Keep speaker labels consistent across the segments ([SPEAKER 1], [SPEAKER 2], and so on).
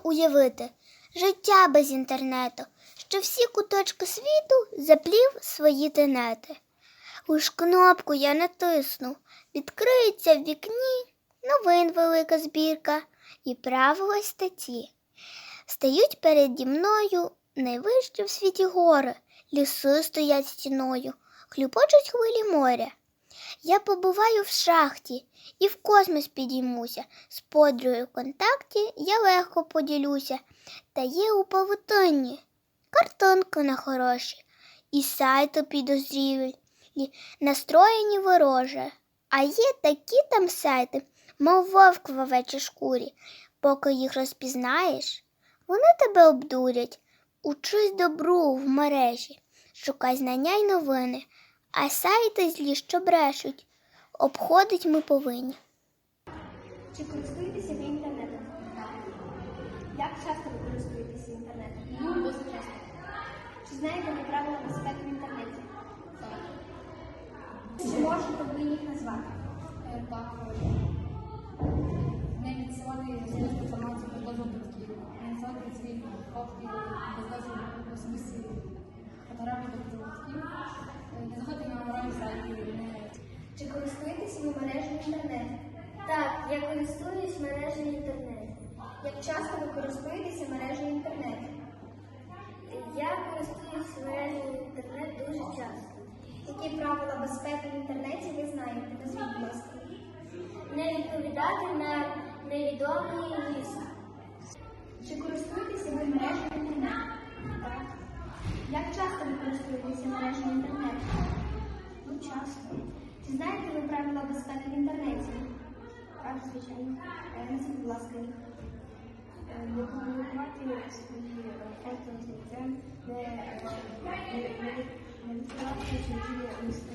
[SPEAKER 1] уявити життя без інтернету, що всі куточки світу заплів свої тенети. Уж кнопку я натисну, відкриється в вікні новин велика збірка і правила статті. Стають переді мною найвищі в світі гори, ліси стоять стіною, хлюпочуть хвилі моря. Я побуваю в шахті і в космос підіймуся, з подругою в контакті я легко поділюся. Та є у павутинні картинки на хороші, і сайти підозрілі, настроєні вороже. А є такі там сайти, мов вовк в овечій шкурі. Поки їх розпізнаєш, вони тебе обдурять. Учись добру в мережі, шукай знання й новини, а сайти злі, що брешуть, обходить ми повинні.
[SPEAKER 2] Чи користуєтеся ви інтернетом? Як часто ви користуєтеся інтернетом? Досить часто. Чи знаєте ви правила безпеки в інтернеті? Так. Чи можете ви їх назвати?
[SPEAKER 3] Так. Не відсилати особисту інформацію без дозволу батьків, не відсилати свої фотки без дозволу особисті фотографії до батьків, не заходити на аморальні сайти.
[SPEAKER 2] Чи користуєтеся ви мережею інтернету? Так, я користуюсь мережею інтернету. Як часто ви користуєтеся мережею інтернету? Я користуюсь мережею інтернету дуже часто. Які правила безпеки в інтернеті ви знаєте? Назвіть, будь ласка. Не відповідати на невідомі ліси. Чи користуєтеся ви мережею інтернету? Так. Як часто ви користуєтеся мережею інтернету? Ну, часто. Чи знаєте ви правила безпеки в інтернеті? Так, звичайно. Назвіть, будь ласка, їх. Не публікувати свої фото з лицем, не відкривати свої листи.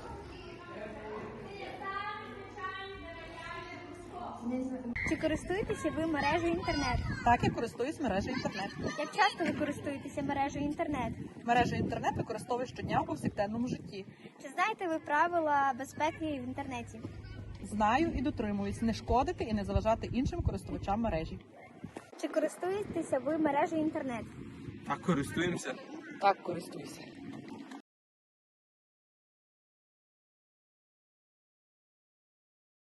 [SPEAKER 4] Чи користуєтеся ви мережею інтернет?
[SPEAKER 5] Так, я користуюсь мережею інтернет.
[SPEAKER 4] Як часто ви користуєтеся мережею інтернет?
[SPEAKER 5] Мережу інтернет використовую щодня у повсякденному житті.
[SPEAKER 4] Чи знаєте ви правила безпеки в інтернеті?
[SPEAKER 5] Знаю і дотримуюсь не шкодити і не заважати іншим користувачам мережі.
[SPEAKER 4] Чи користуєтеся ви мережею інтернет?
[SPEAKER 6] Так, користуємося.
[SPEAKER 7] Так, користуюся.